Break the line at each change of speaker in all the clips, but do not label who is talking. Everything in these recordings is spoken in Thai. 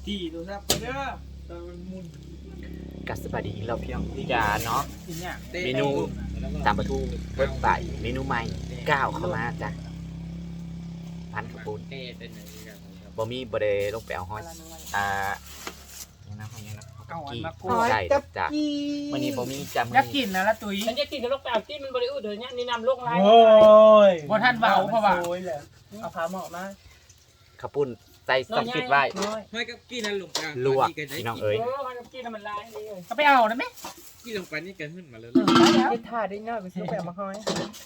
ตีตัวซับไปเด้อตอนมันมุน
กัสบายดีเราเพียงที่จะเนาะ
ทีเนี้ย
เมนูตามประตูเว็บไซต์เมนูใหม่ก้าวเข้ามาจ้ะพันกระปุนบ่มีบ่ได้ลงไปเอาห้อยยังนะห้อยยังนะ
เอาอันมากู
ใช่จ้ะวันนี้บ่มีจ้ะมื้
อยาก
อ
กิ
นี้
นนะละตุ้ย
ฉันจะกินกับลูกเปล่าที่มันบริอุดเดี๋ยวนี้นี่นำลูกไร
โอ้ยบ่ทันเบาเพราะว่า
เอาพาเหมาะมา
ข้าวปุ้นใส่ซอสฟิตไว้
ไม่ก็กี้นั่นลงไป
ลวกพี่น้องเอ้ย
มันกินมันลายเลย
ก็ไปเอานะแม่
กี้ลงไปนี่กันขึ้นมาเลย
ยึดถ่าได้เนาะไปซื้อแบบมาห้อย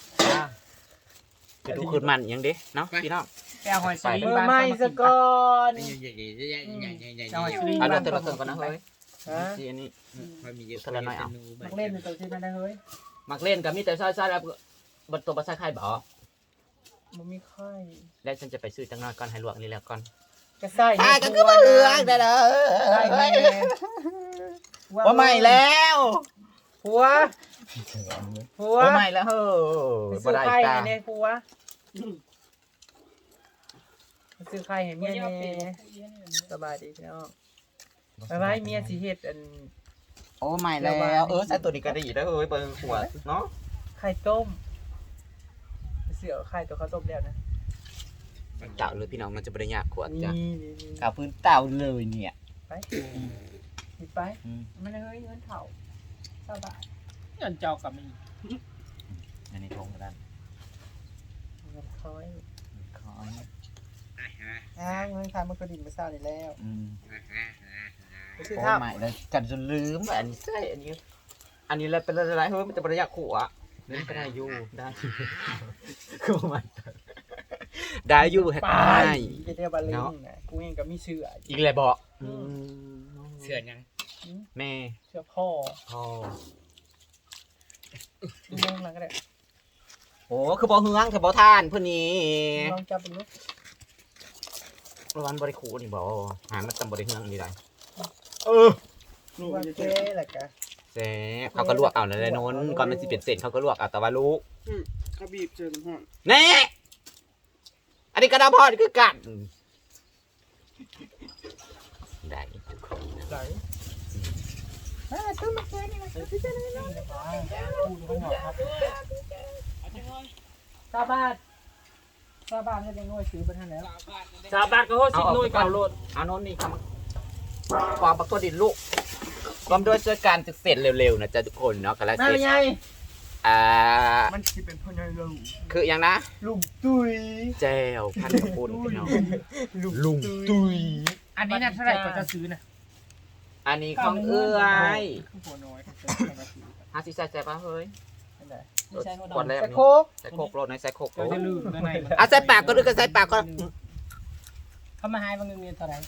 จะดูคืนมันยังเด้เนาะพี่น้อง
ไปเอาหอยสลิง
ไม่สะก่อน
ใหญ่ใหญ่ใหญ่ใหญ่ใหญ่ใหญ่ใหญ่
เอาหอยสลิง
เอาเรื่องก่อนนะเฮ้ย
ฮะ
ที่อันนี้
พอมีเยอะ
นักเล่นในตัวที่มันได้เฮ้ย
มักเล่นกับมีแต่ซอยๆแล้วบนตัวบ่ใส่ไข่บ่
มันมีไข่
แล้วฉันจะไปซื้อจังน้อยก่อนให้ลวกนี่แล้วก่อน
กระไส้
ได้เด้อ
ไส้แม่
ว่าใหม่แล้ว
ผัวผัว
ว่าใหม่แล้วเฮ้
ไป
ยบ่
ซื้อ
ได้
ไข่
จ้า
เนี่ยผัวไปซื้อไข่ให้เมียเนี่ยสบายดีพี่น้องไปไว้เมียสิเฮ็ดอัน
โอ้ใหม่แล้วใส่ตัวนี้ก็ดีแล้วเฮ้ยเบิ่งขวดเนาะ
ไข่ต้มไปซื้อเอาไข่ตัวข้าวต้มแล้วนะ
เต่าเลยพี่น้องมันจะบ่ได้ยากขวด
นี่
จ้ะ
นี่
เอาพื้นเต่าเลยเนี่ย
ไปหยิบไปมันเฮ้ยเงินเถ่าสบาย
เงินเจ้ากับมี
อันนี้ทงกระดาน
เงินคอย
คอย
เงินคายมันก็ดิ่งไปเศร้านี่แล้วไปซื้อ
โอ้
ท่า
ใหม่เลยกันจนลืมอันนี้ใช่อันนี้แล้วเป็นอะไรเฮ้ยมันจะบ่ได้ยากขวดนี่ก็ได้อยู่ได้คือมันได้อยู่แฮก
ไป
ได้
จะเรียกบาลิงนะกูเองก็มีเสื้อ
อีกเลยบอก
เสื่อยัง
แม่
เสื้อพ่อ
พ่อ
ดูเรื่องนั้นก็ได้
โอ้คือบ่เฮืองคือบ่ทานเพิ่นนี่
ลองจับดู
ร้านบริคูนี่บ่หามันตำบริเฮืองนี่ได้
ว่าเจ๊แหละกะ
แซ่บเขาก็ลวกเอานั่นแหละโน้นก่อนมันสิเป็นเส้นเขาก็ลวกเอาแต่ว่าลูก
เขาบีบเจอน้ำห่อน
แน่อันนี้กระดาพอดคือกันได้ทุกคน
ไหลตู้มาเจ๊นี่มาตู้เจ๊นี่นะซาบาทซาบาทให้ได้ง่อยซื้อไปท่านแล้ว
สาบานก็โหสิบหน่วยเก่าโลด
เอาโน้นนี่ครับความปักตัวดินลูกความด้วยช่วยการจะเสร็จเร็วๆนะจ๊ะทุกคนเนาะกันแล้ว
นั่น
เสร็จ
เป็นไง
มันสิเป็นพ่อใหญ่ลุง
คืออย่างนะ
ลุงตุ้ย
แจวพันกระปุนพี่น้องลุงตุย
อันนี้น่ะเท่าไหร่ก็จะซื้อนะ
อันนี้ของเอื้อย
หัวน้อย
หาสิใส่ป่ะเฮ้ย
อันไหน
กดแล้ว
แต่
นี่
โคก
ใส่โคกโรดในใส่โคกโร
เรา
ด
จะลืมข้างใน
อ่ะใส่ปากก็ดูกันใส่ปากก็
เขามาให้บางเงินเท่าไหร่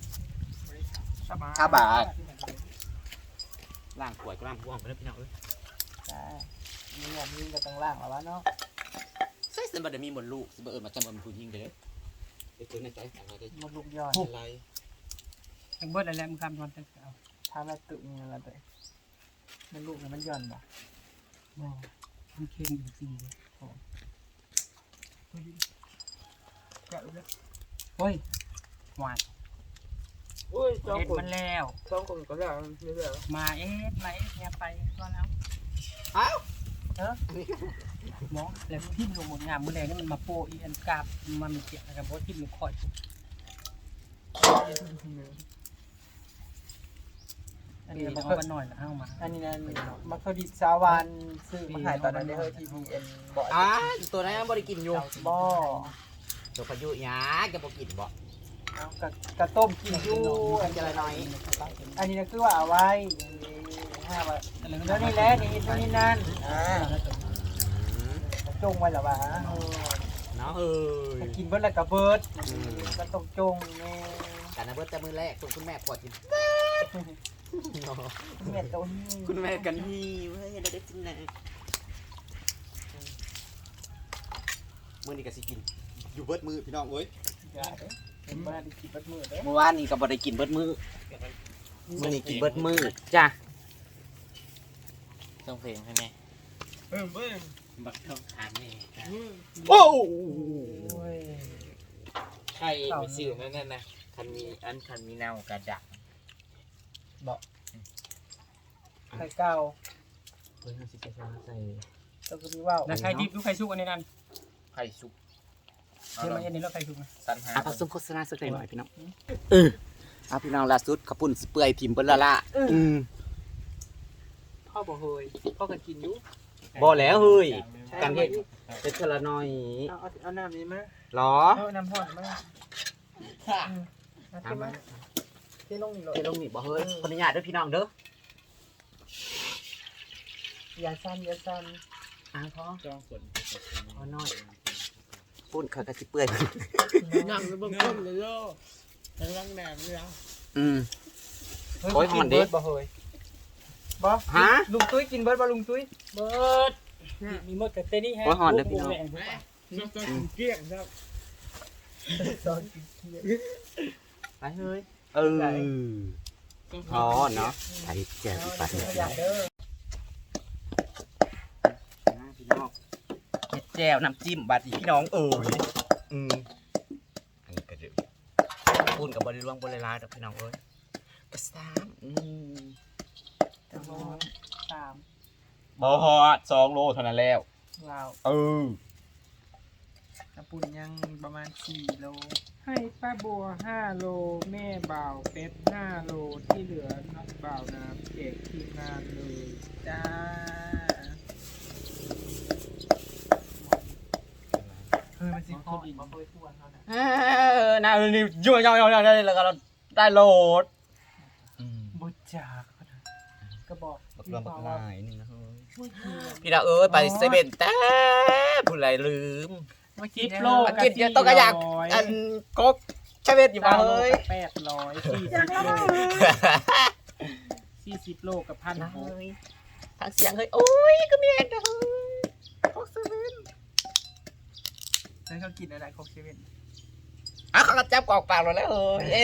5 บาทล่างขวดก็ล่างพวงไปแล้วพี่น้องเอ้ย
จ้ามีหมวกยิงกับตังล่างหรอวะเนาะ
ใส่สมบัติมีหมดลูกสิบ่เอิ้นมาจำบ่ผู้หญิงเด้อเดี๋ยวในใจอะไรได้
มันลูกย้อน
อะไร
ทั้งเบิดอะไรมึงคำทอนตั้งเอา
ทำละตึกนี่ละตัวมันลูกเนี่ยมันย้อนบ่
มันเค็มอยู่จริงเลยโอ้ยหวาน
โอ้ย
เอ็ดมันแล้ว
สองคนก็ได้ไม่ได้
มาเอ็ดเนี่ยไปก่อนแล้ว
อ้าว
หมอแล้วทิ่มลงหมดงามเมื่อไรนี่มันมาโปะอีอันกาบมันมีเกี่ยวกับว่าทิ่มลงคอยอันนี้เอามาหน่อยนะเอามา
อันนี้นั่นมักคดิสาวันซื้อมาขายตอนนั้นได้เฮ้ยที่ BN บ่
ตัวนั้นบ่ได้กินอยู่
บ่
ตัวพายุหยาจะบ่กินบ่
เอากระต้มกินอยู่
อันจะละน้อย
อันนี้นะคือว่าเอาไว้5 บาทแล้วนี่แหละนี่ตัวนี้นั่นจงไว้หรอวะ
เนาะเฮ้ย
จะกินเบิดแล้วก็เบิดก็ต้องจงนี่
กันนะเบิดแต่มือแรกคุณแม่ขวดกิน
แม่ตัวนี้
คุณแม่กันนี่เว้ยได้จริงนะมื้อนี้ก็สิกินอยู่เบิดมือพี่น้องเอ้ย
อย่าเด้อเห็นมาได้กินเบิดมื้อเด้อ
เมื่อวานนี้ก็บ่ได้กินเบิดมือมื้อนี้กินเบิดมือจ้ะ
ต้องเพลงใช่ไหม
เบิ้ง
บักทองทานนี่
โอ้
โอ้ย
ใครไปซื้อนั่นนะ
ใคร
คันมีเน่ากระดัก
ไข่เก่า
เฮ้ยสิใส่ใส่
ตัวก็มีว่าว
แล้วใครดิบหรือใครชุกอันนี้นั่น
ไข่สุก
เดี๋ยวมาเย็นนี้เราใครชุกนะ
สันหา
ผสมโฆษณาสักหน่อยพี่น้องพี่น้องล่าสุดขปุ่นเปื่อยทิมเปิ้นละอืม
พ่อบอกเฮยพ่อก็กินอยู่
บ่แล้วเฮ้ยกันเฮ็ดเป็นเทละน้อย
เอาน้ำนี้มา
หรอ
เอาน้ำห่อนมาเอาขึ้นมาที่ลงนี่เลย
เทลงนี่บ่เฮ้ยขออนุญาตเด้อพี่น้องเด้อ
อย่าสั้นอย่าสั้น
พ่อ
จองฝน
พอน้อยปุ่นเขาก็สิเปื่อย
นั่งแล้วบางคนเลยโลทั้งล่างแหนมเลย
อืม
เฮ้ย
โอ้ย
กิ
ห่อน
น
ดิ
เบิร์ดบ่เฮยบ่
ฮะ
ลุงตุ้ยกินเบิร์ดบ่ลุงตุ้ย
เบิดมีมดกับเต้นี่ฮะ
โอ้ยหอนเด้อพี่น้อง
แม่น้ำตาลเกลี้ยงครับ
ตอนกินเที่ยง
ไปเฮ้ยพอเนาะไอ้แจ่วปัด
ขยะเด้อ
พี่น้องเฮ็ดแจ่วน้ำจิ้มบัดอีพี่น้องอันนี้ก็เดือดปุ่นกับบริล่วงบริลาดอกพี่น้องเอ้ยกระซ้ำ
จะร้อน3
บ่ฮอด2 โลเท่านั้นแล้ว
ลาวกระปุ่นยังประมาณ4โลให้ป้าบัว5โลแม่บ่าวเป็ด5โลที่เหลือนักบ่าวน้ำเด็กทีมงานเลยจ้าเฮ้ยมันสิพออีกมาเพิ่มทวนเขานะ
น่านี่ยั่วๆๆได้แล้วก็ได้โหลด
บุจากเขานะก็บอก
บักรวมบักลายนึงนะเฮ้ย
ช่วยเทียน
พี่ดาวเอ้ยไปเซเว่นแต่ผู้ใดลืม
มา
10 โล
กินเยอะต้องกระยากอันกกเซเว่นอยู่มาเฮ้ย
40 โลกับ1,600
ทางเสียงเฮ้ยโอ้ยก็มีเองนะเฮ้ยกกเซเว่น
แล้วเขากินอะไรคอกเซเว่น
เขาก็จับกอกปากเราแล้วเฮ้ย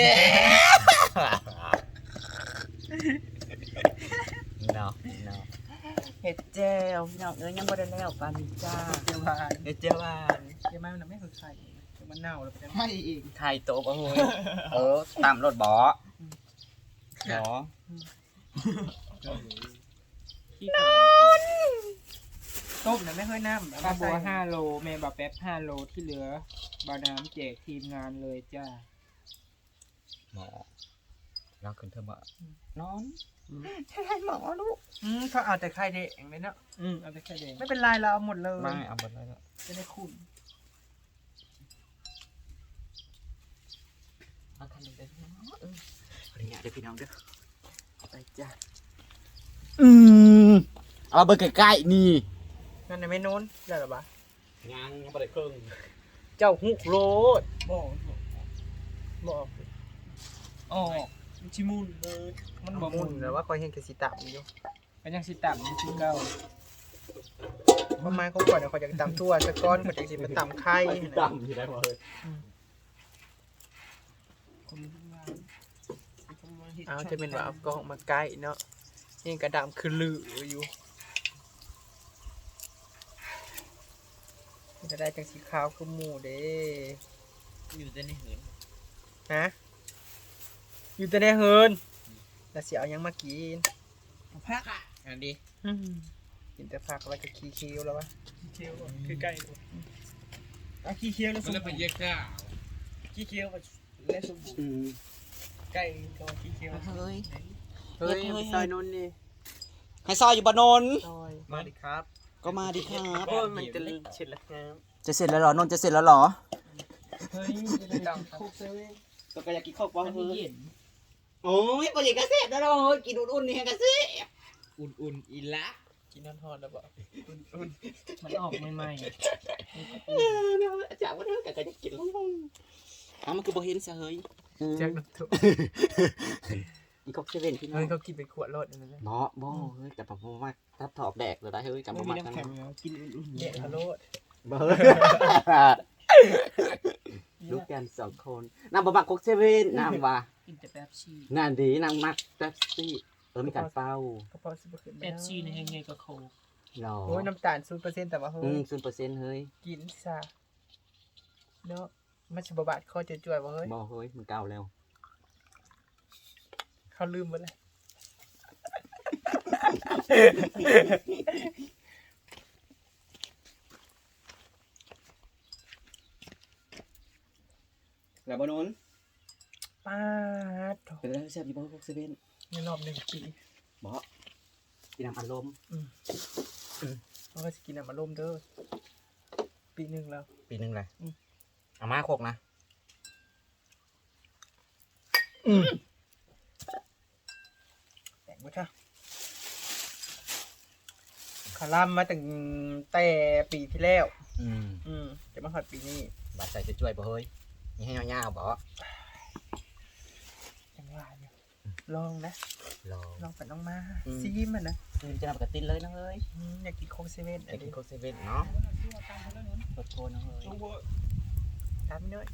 เนาะเฮ็ดแจ่วพี่น้องเอ้ยยังบ่ได้แล้วปานนี้จ้า
เจียวบาน
เฮ็ดแจ่วหวาน
เจียวบานมันไม่เคยไข่มันเน่าแล้วเป็นไม่อีก
ไข่โตบ่เฮ้ยตามรถบ่บ่
ต้มนะไม่เคยน้ำ
ปลาบัว5 โลแม่บ่าวแป๊บ5 โลที่เหลือบ่าวน้ำแจกทีมงานเลยจ้า
หมอเราขึ้นเธอบ่นอนให้หมอลูก
เขาเอาแต่ไข่แดงเลยเนาะ
เอาไปแค่แดง
ไม่เป็นไรเราเอาหมดเลย
ไม่เอาหมดเลยแล้ว
จะได้คุ้ม
เอาทันเลยเนาะขออนุญาตเด้อพี่น้องเด้อไปจ้ะเอาเบอร์ใกล้ๆนี่
นั่นในไม่นู้นได้หรอปะ
ยังบ่ได้ครึ่ง
เจ้าหุกโรด
บอก
บอก
อ๋อชิมูนเบิดมันบ่
มุ
มุ
น
น
แต่ว่าคอยเห็นกระสีตับอยู่
มันยังสิต่ำอยู่คือเก่า
ประมาณเขาก่อนเขาจะตำทั่วสะก้อนเขาจะสิมาตำไข่
ดำอยู่ได้บ่เฮ้ย
เอาจะเป็นว่าเอากล้องมาใกล้เนาะนี่กระดำคือลืออยู่จะได้จังสีขาวคือหมูเด้
อยู่แต่ในหืน
ฮะอยู่แต่ในเฮินแล้วสิเอายังมากิน
พักอันดี
กินแต่ผักแล้วก็ขี้เคี้ยวแล้ววะ
เคี้ยวคือใกล้เอาขี้เคี้ยวแล้วส
มัน
ม
แล้ว
บู
ไป
รณ์
เยอะข้าว
ขี้เคี้ยวและสมบูรณ์ใกล้ก็ขี้เคี้ยว
เฮ้ย
เฮ้ยซอยนนนี่
ให้ซอยอยู่บ่นน
ซอยมาดิครับ
ก็มาดิครับ
โอ้ยมันจะเช็ดแล้วครับ
จะเสร็จแล้วเหรอนนจะเสร็จแล้วเหรอ
เฮ้ยจะได้กินคุกเซเว่น
ก็อยากกินข้าวป้อน
มัน
เฮ้ย
เย็น
โอ้ยปอยากกระเสร็จแล้วเนาะกินอุ่นๆนี่ให้กระเสร็จ
อุ่นๆอีละ
กินนอนทอดแล้วบ่
มันออกใหม่
จากว่าเธอก็จะกินลงมันคือบ่เห็นซะเฮ้ย
แจ็คน้ำทุก
อีกอกเซเว่นพี่น้อ
เฮ้ย
ง
เขากินเป็นขวดรถนั่นแหละ
เนาะบ่เฮ้ยแต่ผมว่าถ้าถอกแดกเลยได้เฮ้ยกับ
ไม่
บ่
มี
มัก
น้ำ
กัน
แข็งแล้วกินอุ่นๆ
เด็กรถ
บ่เฮ้ยลูกกัน2คนนางบ่มักกอกเซเว่นนางว่า
กินแต่แป๊บชี
งานดีนางมักแป๊บซี่มีการเฝ้าก
ระเพาะซุปเปอร์ขึ้น
แป๊บชีในแห้งไงก็โคก
เนาะ
โอ้ยน้ำตาล0%แต่ว่าเฮ้ย
0%เฮ้ย
กินซะเนาะมันสิบบาทข้อจะจ่วยๆว่าเฮ้ย
บ่เฮ้ยมันเก่าแล้ว
เขาลืมไปเลย
แล้วบ่นน
ป้าดโถ
เป็นอะไรแซ่บอยู่บ่พวกเซเว่น
ในรอบ1 ปี
บ่กินน้ำอัดลม
เขาก็จะกินน้ำอารมณ์เด้อปีหนึ่งแล้ว
ปีนึงเลยเอามาโคกนะ
แต่งบ่จ้ะคาร่ำมาตั้งแต่ปีที่แล้ว จะมาฮอดปีนี้
บาดใส่จะช่วยบ่เฮ้ยนี่ให้ยาวๆบ่
จังหวะเนี่ยลองนะ
รอ
ลองไปลองมาซีมันนะ
คืนจะนำกระตินเลยนะเฮ้ย
อยากกินโค้กเซเว่น
อยากกินโคกเซเว่นเนาะโคตรนะเฮ้ย
ตามไปด้วย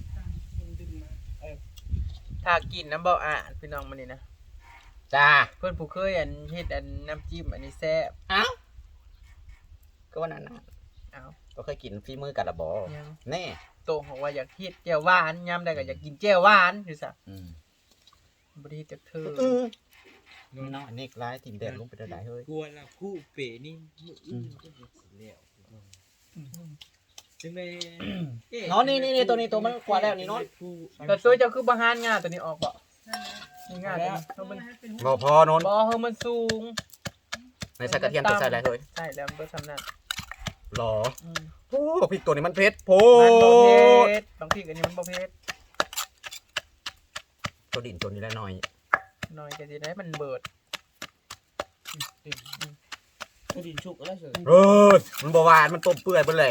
ถ้ากินน้ำเบาอ่ะพี่น้องมันนี่นะ
จ้า
เพื่อนผู้เคยอันเฮ็ดอันน้ำจิ้มอันนี้แซ่บ
เอ้าก็ว่านั้นนะ
เอา
ก็เคยกินฝีมือกันละบ่
ยัง
แน่
โตบอกว่าอยากเฮ็ดแจ่วหวานยามใดก็อยากกินแจ่วหวานอยู่ซะบ่ได้จากเธอ
นี่เนาะอันนี้ร้ายทีมแดงลงไปได้เฮ้ย
กลัวละคู่เป๋นี่มืออื่นก็จะสิแล้วจังเลย
เนาะนี่ตัวนี้ตัวมันกว่าแล้วนี่เนาะ
แต่ตัวเจ้าคือบ่หานงาตัวนี้ออกบ่นี่งาตัวนี้เฮามัน
บ่พอนน
บ่เฮามันสูง
ในใส่กระเทียมตัวใส่อะไรเฮ้ย
ใช่แล้วมันบ่ซำนั้น
หรอโอ้พริกตัวนี้มันเผ็ดโพ
มันบ่เผ็
ด
ดบางทีอันนี้มันบ่เผ็ด
ตัวดินตัวนี้ละหน่อย
หน่อยก็สิได้มันเบิด
ก็ดินชุกอะไรเฉย
เออมันบ่หวานมันต้มเปื่อยเบิดเลย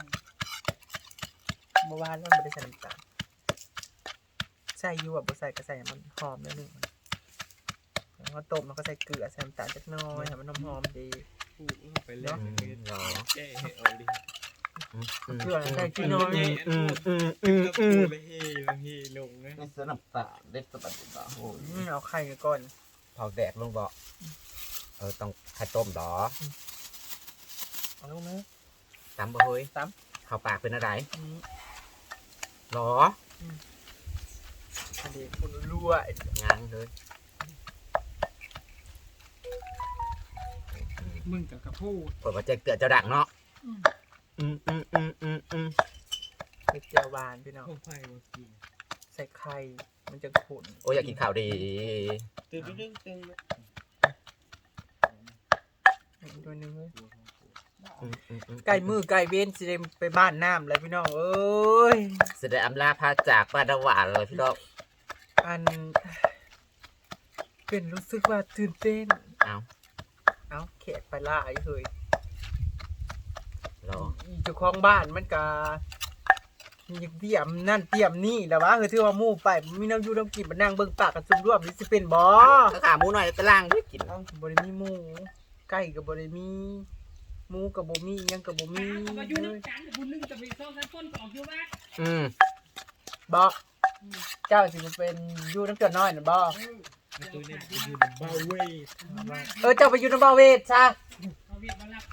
บ่หวานแล้วมันบ่ได้ใส่น้ำตาลใส่อยู่บ่ใส่ก็ใส่ให้มันหอมนิดนึงแล้วก็ต้มแล้วก็ใส่เกลือใส่น้ำตาลจักหน่อยให้มันหอมๆดี
พูดไปเล่นเลย
หรอ
แก้เอาดิ
เกลือใส่ขี้น้อย
แล้วเฮลงนะ
นี่เสื้อน้ำตาลเด็ดสะบัดบ่โอ้ย
เอาไข่ก่อน
เผาแดกลงบ่ต้องไข่ต้มดอ
เอาลงนะ
ตำบ่เฮ้ย
ต
เข้าปากเป็นอะไรหรอ
อันนี้คนรั่ว
งานเลย
มึงกับกระพูด
เปิดว่าแจ้งเตือนเจ้าดังเนาะ
เม็ดเจียวหวานพี่น้อง
ข้าวไฟมากิน
ใส่ไข่มันจะขุ่น
โอ้ยอยากกินข้าวดี
ตื่นตึ้ง
อีกตัวหนึงเลยไก่มือไก่เว้นสิได้ไปบ้านน้ำเลยพี่น้องเอ้ย
แสดงอำลาพาจากบ้านดาวหวานเลยพี่น้อง
อันเป็นรู้สึกว่าตื่นเต้น เอาแขกไปล่าไอ้เฮ้ย
หรอ
เจ้าของบ้านมันก็อยากเตรียมนั่นเตรียมนี่แหล้ววะคือที่ว่าหมู่ไปมีน้ำอยู่น้ำกินมานั่งเบิ่งปากกันซุ่มร่วมนี่สิเป็นบ่
ถ้าขาหมูหน่อยตะล่างด้วยกิน
เอ้าบ่ได้มีหมูไก่ก็บ่ได้มีหมูก็บ่มีหยังก็บ่มี
มาอยู่น้ำกันบุญนึงจะไปซ่องกันต้นออกอยู่บ้าน
บ่เจ้าสิมาเป็นอยู่น้ำเกลือน้อยน่ะบ่
ตัวนี้อยู่บาเวย์
เจ้าไปอยู่น้ำบ่าวเวทซะ
เขาเวียนมารับ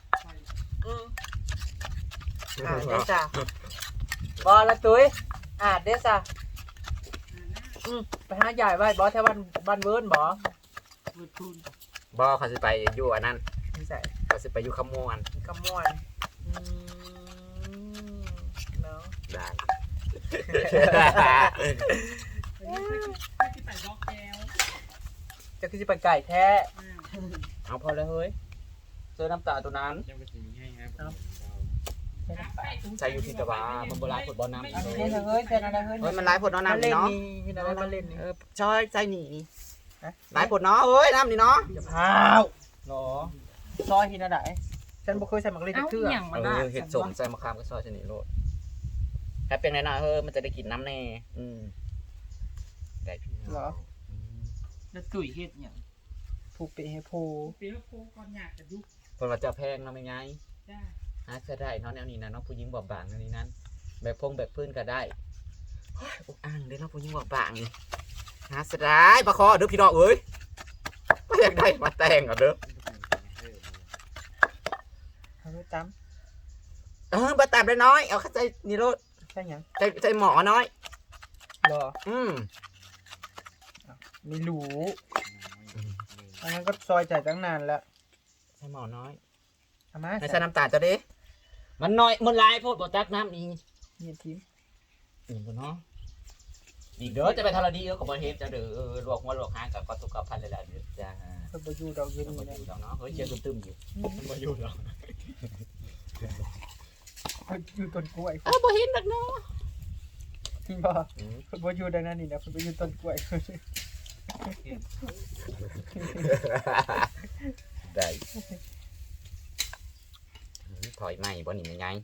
เด้อจ้ะบ่ละตุ้ยเด้อจ้ะไปหาใหญ่ไว้บ่แถวบ้านเวิร์นบ่
เปิดทุน
บอเขาสิไปอยู่อันนั้น
นี่ใส่
เขาสิไปอยู่ขมวน
กำมวนเนาะ
ได้
ไปที่ใส่บล็อกแก้ว
จะคือสิไปไก่แท้
เอาพอแล้วเฮ้ยเสื้อน้ำตาตัวนั้น
ยังไม่ถึงให้ครับ
ใส่อยู่ที่ตะวามันโบราณผดบอลน้ำ
อันนี้เฮ้ยเป็นอะไรเฮ้ย
เฮ้ยมันร้ายผดน้ำ
มา
นี่
เล่น
เนาะ
นี่เห็นอะไรมาเล่นนี่
ชอยใส่หนีร้ายผดเนาะเฮ้ยน้ำนี่เนาะ
อย่าพาวหรอซอยหินอะไรฉันบ่เคยใส่หมักเล่นเทื่อ
เห็ดสมใส่มะขามก็ซอยชนิดโลดแค่เป็นแน่นอนเฮ้ยมันจะได้กินน้ำแน่ได้พี่
เหรอ
แล้วตุ๋ยเฮ็ดอย่าง
ผูกเปให้โพ
เปียกโคก่อนอยากจะดู
คนว่าจะแพงเนาะไม่ไง
จ้า
หาจะได้เนาะแนวนี้นะเนาะผู้หญิงบอบบางแนวนี้นั้นแบบพงแบบพื้นก็ได้อกอ่างเด้เนาะผู้หญิงบอบบางนี่หาจะได้ปลาคอเด้อพี่น้องเอ้ยก็อยากได้มาแต่งอ่ะเด้อ
เอาไว้จ
บาตามได้น้อยเอาเข้าใจนี่โลด
ำใช่ยัง
ใจหมอน้อย
รอไม่รู้อันนั้นก็ซอยจ่ายตั้งนานแล้ว
ใส่หม้อน้อย
เอามา
ให้ใส่น้ำตาลจะดิมันน้อยมันลายโพดบ่ตักน้ำอี
เนี่ยทีม
บ่เนาะอีกเด้อจะไปทรดีก็บ่เฮ็ดจะเด้อลวกหัวลวกหางกับก็สุขภาพเลยล่ะเด้อจ้า
เพิ่นบ่อยู่ดอกเย็น
บ่
นี่
อ
นะ
ยู่ดอกเนาะเฮ้ยเจอตึมๆอยู่บ่อยู่ดอก
เพิ่นอยู่ต้นกล้วย
บ่เห็นดอกเนาะ
บ่เพิ่นบ่อยู่ดังนั้นนี่นะเพิ่นบ่อยู่ต้นกล้วย
ได้ถอยใหม่บ่นี่มันไง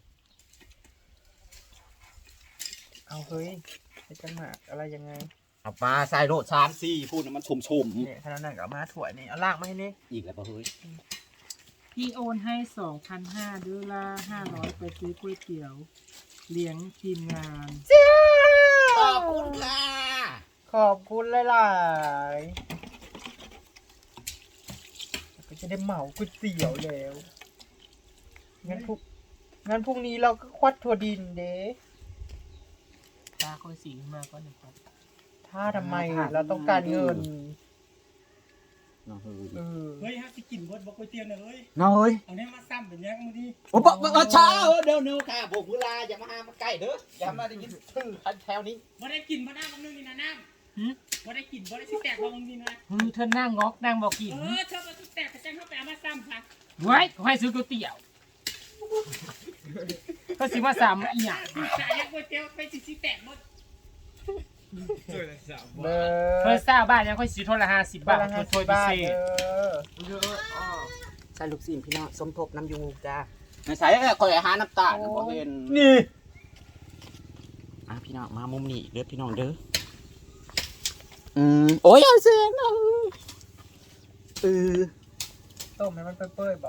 เอาเฮ้ยไอ้จังหมากอะไรยังไง
เอาปลาใส่โลด3-4พูดมันชุ่ม
เนี่ยขนาดนั้นก็เอามาถั่วนี่เอาลากมาให้นี่
ๆอีกแล้วบ่เฮ้ย
พี่โอนให้ 2,500ด้วยละ500ไปซื้อก๋วยเตี๋ยวเลี้ยงทีมงาน
ขอบคุณค่ะ
ขอบคุณหลายๆก็จะได้เหมาก๋วยเตี๋ยวแล้วงั้นพรุ่งนี้เราก็ควัดถั่วดินเด้
ตาค่อยสีมาก็หนึ่งครับ
ถ้าทำไมเราต้องการเงิน
น้องเฮ้ย
เออ
เฮ้ยฮะสิกินเบิดบอกก๋วยเตี๋ยวน่ะเฮ้ย
น้องเฮ้ย
เอาเนี่ยมาซ้ำเป็นยังมื้อนี้
โอ้บ่ช้าเดี๋ยวค่ะโบกเวลาอย่ามาหามาใกล้เด้ออย่ามาได้ยินชื่อคันแถวนี้
บ่ได้กินบ่น้ำบางนึงนี่นะน้ำบ่ได้กินบ่ได้สิแตกบ่บางนี่นะ
เธอนั่งงอกนั่งบอกกิน
เธอบ่สิแตกก็จังเฮาไปเอามาซ้ำค่ะ
ไว้ขอให้ซื้อก๋วยเตี๋ยวก็สิว่าสามอีหยัง
จะยังก๋วยเตี๋ยวไปสิแตกหมด
เบอ
เธอทราบบ้านยังค่อยซื้อโทรละ50 บาท
ละ
ถ้วย
50
พิ
บาท
เศษ
ใส่ลูกศิษย์พี่น้องสมทบน้ำยูจ้าในใส่คอยหาน้ำตาลบ่เห็น
นี่
พี่น้องมามุมนี้เด้อพี่น้องเด้อโอ้ยเอาเสียง
ต้มให้มันเปื่อยๆบ่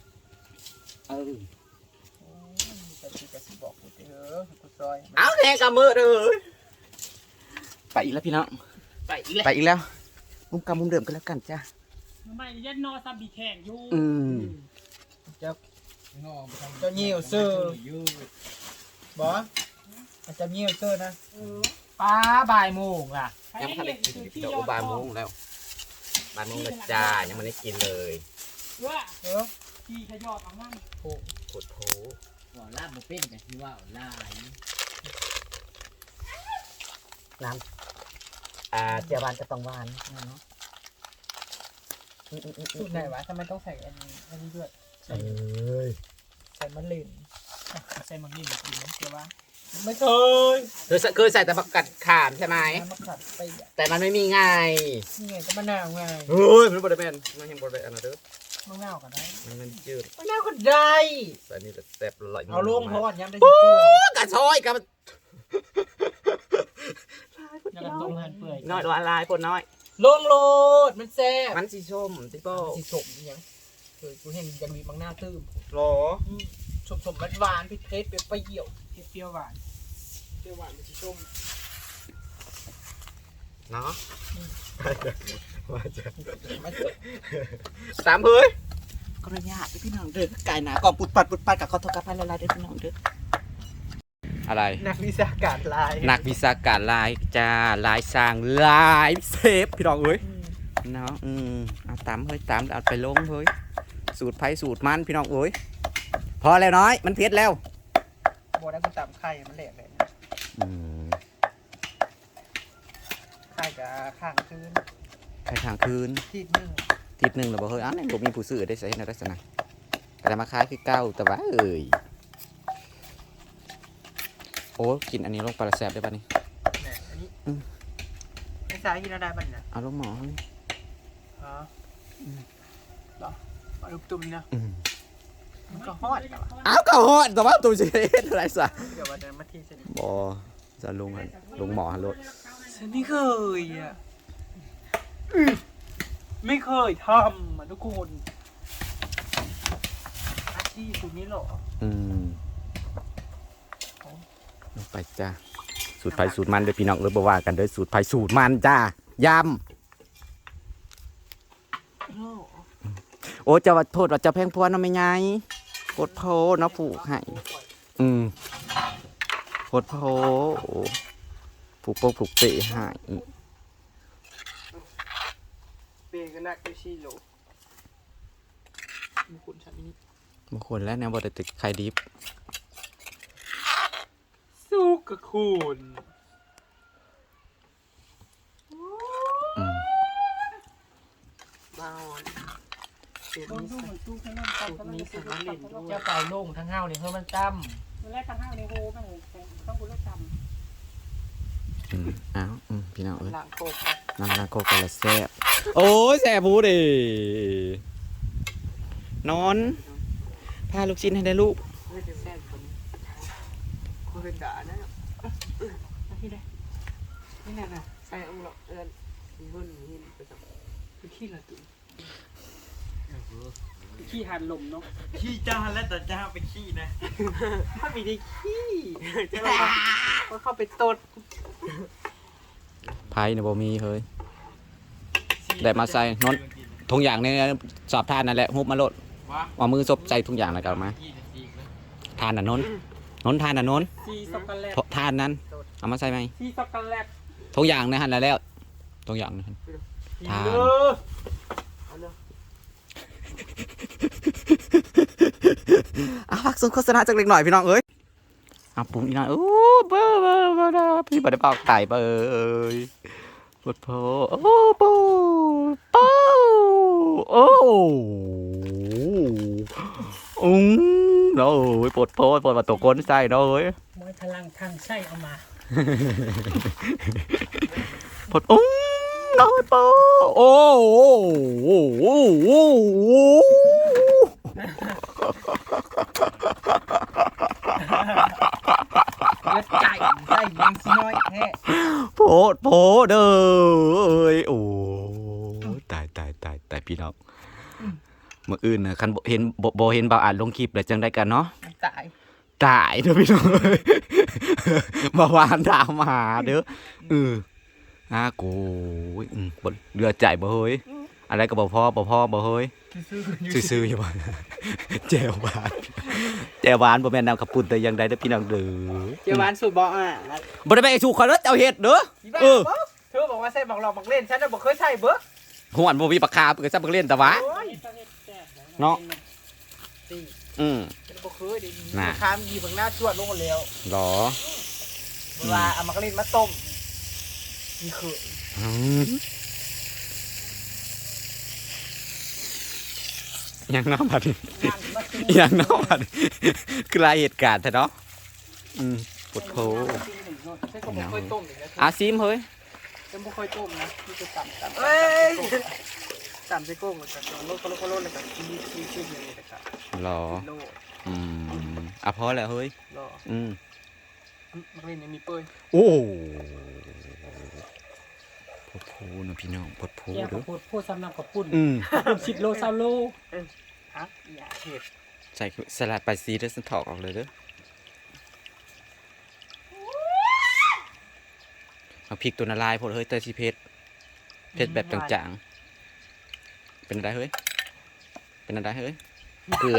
แต่ที่จะบอกกูเถอะกูซอย
เอาแทงกับมือเลยไปอีกแล้วพี่น้อง
ไปอีกแล้ว
ไปอีกแล้วมุมกำมุมเดิมกันแล้วกันจ้า
ไม่ยันนอซ้ำบีแข่งอยู่
เจ้าเหี่ยวเซอร์บ่จะเหี่ยวเซอร์นะ
ป้าบ่ายโมงล่ะ
ยังไม่ทันได้กินเดี๋ยวบ่ายโมงแล้วบ่ายโมงแล้วจ้ายังไม่ได้กินเลย
ว่า
เออ
ขี่ขยอดเอามั่ง
โคตรโผ
ว่าลาบบ่เป็นกันที่ว่าลาย
น้ำเจียวบานจะต้องหวานเนาะ
สูตรไหนวะทำไมต้องใส่อันนี้ด้วย
เอ้ย
ใส่มะเร็ง
ใส่มังนี่กินน้ำเกลือว่า
ไม่เคย
เคยใส่แต่ผักกัดขามใช่ไหม
น้ำมะขัดไปอ่ะ
แต่มันไม่มีไง
นี่ไงก็มะนาวไง
เฮ้ยมันบริเวณมันยังบริเวณอันนั้นเด้อ
มะนาวก็ได้
มันจืด
มะนาวก็ได้
แต่นี่แต่แซ่บอร่อย
เอาลงเพราะว่าย้ำได้ยิ่งเปื่อย
กระชอยกับ
แล้วก็ต้มหั่นเปื่อย
น้อยตัวลายพนน้อย
ลงโลดมันแซ่บ
มันสีส้มสีโป้
สีสมยังเคยกูเห็นยังมีมังหน้าตื้ม
หรอ
สมหวานๆเผ็ดๆเปรี้ยว
เปรี้ยวหวาน
เปรี้ยวหวานมันสีส้ม
เนาะว่าจะ
มัน
สามเฮ้ยก็ระยะพี่น้องเด้อไก่หนาก่อนปุดปัดกับข้าวทอดกระเพราละลายเด้อพี่น้องเด้ออะไร
นักวิชาการลาย
นักวิชาการลายจ้าลายสร้างลายเซฟพี่น้องเอ้ยเนาะเอาตามเฮ้ยตามเอาไปลงเฮ้ยสูตรไผ่สูตรมันพี่น้องเอ้ยพอแล้วน้อยมันเผ็ดแล้ว
โบได้กูตามไข่มันแหลกเลยไข่กับข้างคืน
ไข่ทางคืน
ทีนึง
ทิศหนึ่งหรือบ่เฮ้ยนี่ผมมีผู้ซื้อได้ใส่ในลักษณะก็จะมาขายคือเก้าแต่ว่าเอ้ยโอ้กินอันนี้ลงปลาแซ่บได้ป่ะนี่
เนี่ยอันนี้ไม่ใช่กินอะไรบ้างนะ
เอาลงหมอ
อ๋อหรอเอาลูกตุ้มนะมันก็ฮอด
เอาก็ฮอดแต่ว่าตัวจะเฮ็ดอะไรซะ
เดี๋ยววันนั้นมาทีเสร็จ
บ่จะลงหมอฮัลโหล
ฉันไม่เคยอ่ะไม่เคยทำอ่ะทุกคนอาชีพคุณนี่หรอ
ลงไปจ้าสูตรไผ่สูตรมันเด้อพี่น้องเอ้ยบ่ว่ากันเด้อสูตรไผ่สูตรมันจ้ายำโอ้จะว่าโทษว่าจะแพงพวนเนาะแม่ใหญ่กดโพเนาะผูกให้กดโพผูกโปกผูกเปะให้
ก็หนักอยู่4โลมีคุณฉันนี่
บางคนแล้วเนี่ยบ่ได้ติดไข่ดิบ
สู้กับคุณ
อืม
บ้าอ่อนเดี๋ยว
โดน
นี้
ตู้
ใส่
เหมือนตู้ข้างนอก
สูตรนี้ใส่มาเล่นด้วย
เจ้าเก่าโล่งทั้งห้าวเลยเฮ้ยมันจำมันแรกทั้งห้าวในโฮมันต้องคุณเลิกจำ
อ้าวพี่น้องเอ้ย
ล้างโคก
น้ำลาโกกะละแซ่บโอ้ยแซ่บพูดินอนพาลูกชิ้นให้ได้ลูก
ไม่ได้แซ่บคนคนเป็นด่านะที่ไหนนี่น่ะใส่องค์หลอกบุญหินไปจับคือขี้ละตุ้
ขี้หันลมเนาะ
ขี้เจ้าแล้วแต่เจ้าเป็นขี้นะ
ถ้ามีได้ขี้จะอะไรก็เข้าไปตด
ไผ่เนี่ยบ่มีเฮ้ยได้มาใส่นอนทุงอย่างเนี่ยสอบทานนั่นแหละฮุบมาโลดเอามือซบใส่ทุงอย่างแล้วกันมาทานน่ะนนทานน่ะนน
ซีช็อกโกแลต
ทานนั้นเอามาใส่ไหม
ซีช็อกโกแลต
ทุงอย่างนะฮะแล้วทุงอย่างนะทาน พักส่งโฆษณาจากเล็กหน่อยพี่น้องเอ้ยปุ่มอีกหน่อยโอ้เบอร์พี่บัดได้เป่าไก่เบอร์ปวดโผโอ้ปูปูโอ้โน้ยปวดโผปวดมาตัวก้นใส่โน้ย
มวยพลังทางใช่เอามา
ปวดโน้ยปูโอ้
เลือดไก่ใส่ยังสิน้อยแท้
โผเด้อโอ้ตายพี่น้องเมื่ออื่นนะคันเห็นบ่เห็นบ่าวอ่านลงคลิปแล้วจังได้กันเนาะ
ตาย
ตายเด้อพี่น้องมาวานดาวมาเด้อกูบ่เรือใจบ่เฮ้ยอะไรก็บ่พอบ่เฮ้ยซื่อๆอยู่บ่แจ่วหวานบ่แม่นน้ำขับปุ่นแต่ยังได้เด้อพี่น้องเด้อ
เจ้าบ้านสูตรบอก
บ่ได้ไปสู่ข่อยแล้วเจ้าเฮ็ดเด้อ
เธอบอกว่าใส่บอกหลอกบอกเล่นฉันน่ะบอกเคยใส่เบิก
หวนบ่มีปากกาเพิ่นซับเล่นแต่ว่าเนาะ
ฉันบอกเคยดิ
น่ะ
ข้ามยีบางหน้าชวดลงมาแล้ว
หรอ
เวลาเอามากระเล่นมาต้มนี่คือ
ยังน้ำบัดยังน้ำบัดคือรายเหตุการณ์แท้เนาะปวดโผ
ฉันก็บอกเคยต้มอีกนะ
อาซิมเฮ้ย
ฉันบอกเคยต้มนะนี่จะต่ำเอ้ยต่ำใส่กุ้งเลยกันโลดเลยกันชี้อย่างนี้เลยกัน
หรอ
โล
พอแล้วเฮ้ย
รอมากระเล่นยังมีเปื่อย
โอ้ปวดโผนะพี่น้องปวดโผ
แก้ว
เด้อ
พูดซ้ำน้ำกับปุ่น 10 โล20 โล
ฮะอย่าเห็ด
ใส่สลัดไปซีเด้อสันถอกออกเลยเด้อเอาพริกตัวละลายพดเฮ้ยเตยชีเพชรแบบจางๆเป็นอะไรเฮ้ยเกลือ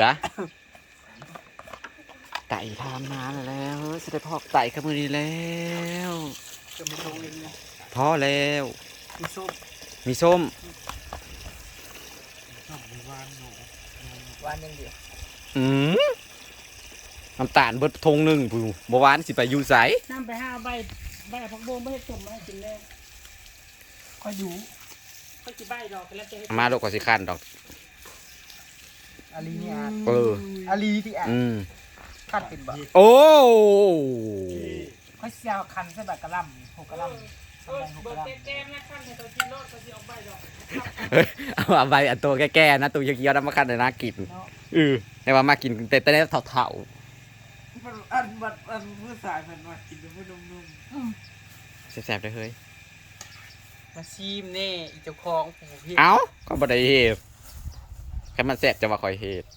ไต่ทำมาแล้วเฮ้ยจะได้พอกไต่กับมือนี้แล้ว
จะไม่ลงเองนะ
พอแล้ว
มีส้ม
มีส้ม
หวานอย่างเดียว
น้ำตาลเบิดทงหนึ่งผู้บ่หวานสิไปอยู่ไส
น้ำไป5ใบผักบงไม่ได้ต้มมาให้กินแน่ค่อยดูค่อยกินใบดอกแล้วจะให้
มาโลกก็สิคันดอก
อาลีนี่
อาลีที่
ขั้นเป็นแบบ
โอ้
ค่อยเสียวคันใส่แบบกระลำหกกระลำ
เบิร์ดแก้มนะขั้นให้ตัวกินรอดก็จะเอาใบดอก
เอาใบอันตัวแก่ๆนะตัวเขียวๆน้ำมาคันเลยนะกินแต่ว่ามากินแต่ได้เถ่า
อันผู้สายมันมากินเป็นผู้นุ่ม
ๆแซ่บๆเลยเฮ้ย
ๆมาชิมเน่อีเจ้าของผู้พี่
เอ้าก็บ่ได้เฮ็ดแค่มันแซ่บจะว่าคอยเฮ็ด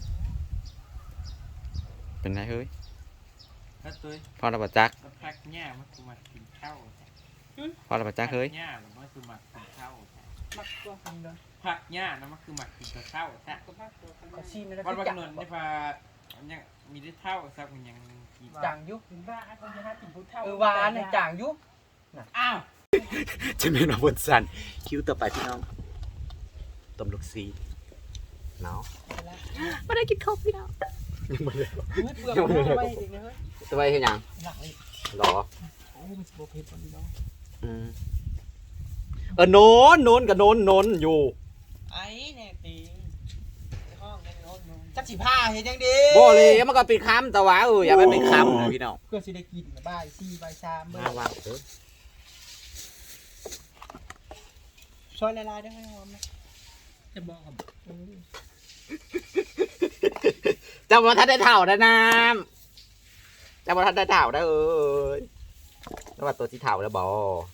เป็นไรเฮ้ย
แล้วตัว
พอเราบ่จัก
พักหญ้ามันคือมากินข้าว
พอเราบ่จักเฮ้ย
หญ้าหรือมันคือมากินข้าว
มักตัวนี้เลย
ผักหญ้านะมันคือมากินข้าวแท้
ก็ชิมแล้ว
วัน
ก็
บาง
จับ
นนนี่พายังมีได้เท่าสักมันยังกิน
จางยุ
กินบ้าคนจะให้กินผู้เฒ่า
หวานเนี่ยจางยุ
อ้าว
จะไม่นอนบนสันคิวต่อไปพี่น้องต้มลูกซีเนาะไม่ได้กินข้าวพี่น้องยังไม่ได้
เปลือกมันเอาไว้เด็กนะเฮ้ย
จะไปเห็นยัง
หลักเลย
หรอ
โอ้มันสิบ่เผ็ดปานนี้เนาะ
โนนกับโนนอยู่
ไอ้แน่ติงห้องนั่นโน้นจักสิผ้าเฮ็ดจังดี
บ่เลยมันก็เป็นคำแต่ว่าอย่าไปเป็นคำนะพี่น้อง
เพื่อสิได้กินบ่าย4บ่าย3มื้อ
มาว่าเด้อ
ซอยละลายได้ให้หอมนะจะบอกครับ
เจ้าบ่ทันได้เถ่านะน้ำเจ้าบ่ทันได้เถ่านะแล้วว่าตัวที่เถ่าแล้วบ่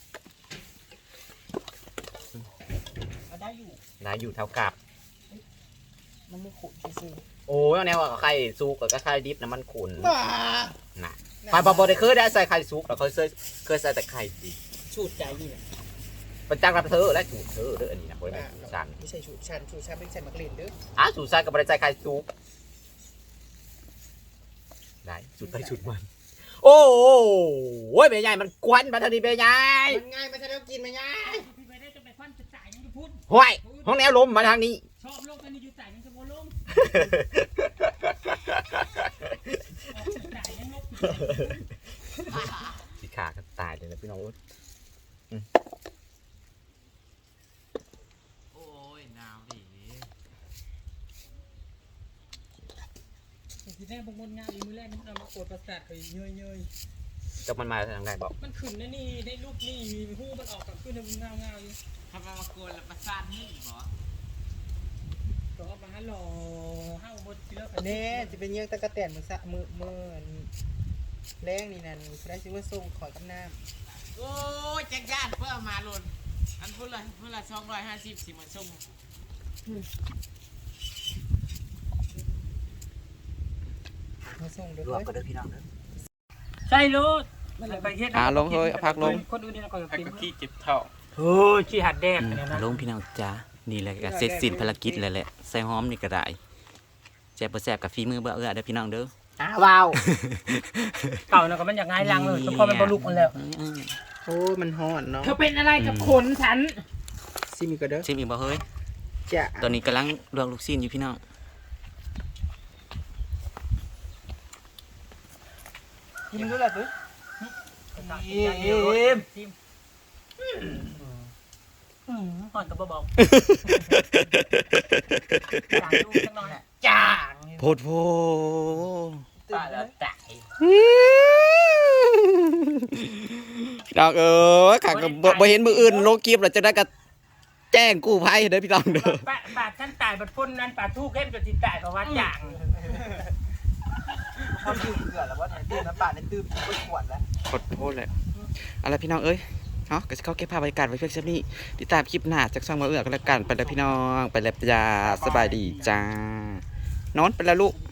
ได้อยู่
นายอยู่เท่ากับ
มันไม่ขุ่นซื่อ
โอ้ยแนวว่าไข่ซุกกับไข่ดิบนะมันขุ่น
ๆบ้า
น่ะไข่บ่ได้เคยได้ใส่ไข่ซุกแต่เคยใส่แต่ไข่ดิบ
สูตรใจนี่แหละ
เป็นจักรับเธอและสูตรเธอเด้ออันนี้นะบ่ได้สูตรสัน
ไม่ใช่สูตรชันไม่ใช่มักเล่นเด้อ
สูตรสันก็บ่ได้ใส่ไข่ซุกได้สูตรไปสูตรมันโอ้ยแม่ใหญ่มันกวนมาทางนี้แม่ใหญ่
มันง่ายมันจะได้กินไหมง่าย
พี่ไปได้จะไปควันจะจ่ายยังจะพูด
ห้วยห้องแนวลมมาทางนี้
ชอบโลกกันนี่อยู่จ่ายยังจะโมลงจ่ายยังลบ
สีขาก็ตายเลยนะพี่น้องโอ้ยหนาวดิ
ทีแรกบางคนงานมือแรกมันเอามาโกดประสาทไปเยย
จะมันมาทางไหนบอก
มันขึ้นนะนี่ได้ลูกนี่มีหูมันออกกับขึ้นเงาอยู่
ทำมาโกนแล้วประสานนี่หรอ
ก็มาหล่อห้าวบนเชื้อ
เน่จะเป็นเยี่ยงตะกะแตนมือสะมือแรงนี่นั่นได้ซื้อมาส่งขอกับน้ำ
โอ้ยจักรยานเพื่อมาหล่นอันพุ่นละ250สิมาส่ง
มาส่งเด้อ
รวมกันเด้อพี่น้องเด้อ
ใช่ลูก
ลงเฮ้ยพักลง
คนอื่นนี่เราก็
ไอ้
กิน
ก็ขี้เก็บเท่า
โอ้ยขี้หัดแดกเนี่ยนะ
ลงพี่น้องจ้านี่แหละก็เสร็จสิ้นภารกิจแล้วแหละใส่หอมนี่ก็ได้แซ่บบ่แซ่บกับฝีมือบ่เด้อพี่น้องเด้อ
ว้าว
เก่าแล้วก็มันอยากง่ายลังเลยเฉพาะมันบรรลุมันแล้ว
โอ้มันฮ้อนเนาะ
เธอเป็นอะไรกับขนฉัน
ซิมีก็เด้อ
ชิมอีกบ่เฮ้ย
จ้ะ
ตอนนี้กำลังลวกลูกชิ้นอยู่พี่น้อง
กินด้วยล่ะตุ้ย
ก่อนกับบอก
จางดูจังหน่อยจาง
โพดโพ
ป้าแล้วตาย
พี่น้องข้าก็บ่เห็นมืออื่นโลกีบแล้วจะได้ก็แจ้งกู้ภัยเด้อพี่น้องเด้อ
ปาดฉันตายบัดพ้นนั้นปาดทูกเข้มจนติดตายเพราะว่าจาง
เขาดื่มเกลือแล้วว่าดื่มน้ำปลาในดื่มไปขวดแล้ว
ขอโทษแหละเอาล่ะพี่น้องเอ้ยเนาะก็สิเข้าเก็บภาพบรรยากาศไว้เพียงเท่านี้ติดตามคลิปหน้าจากช่องมาเอื้อกันแล้วกันไปแล้วพี่น้องไปแล้วจ้าสบายดีจ้านอนไปแล้วลูก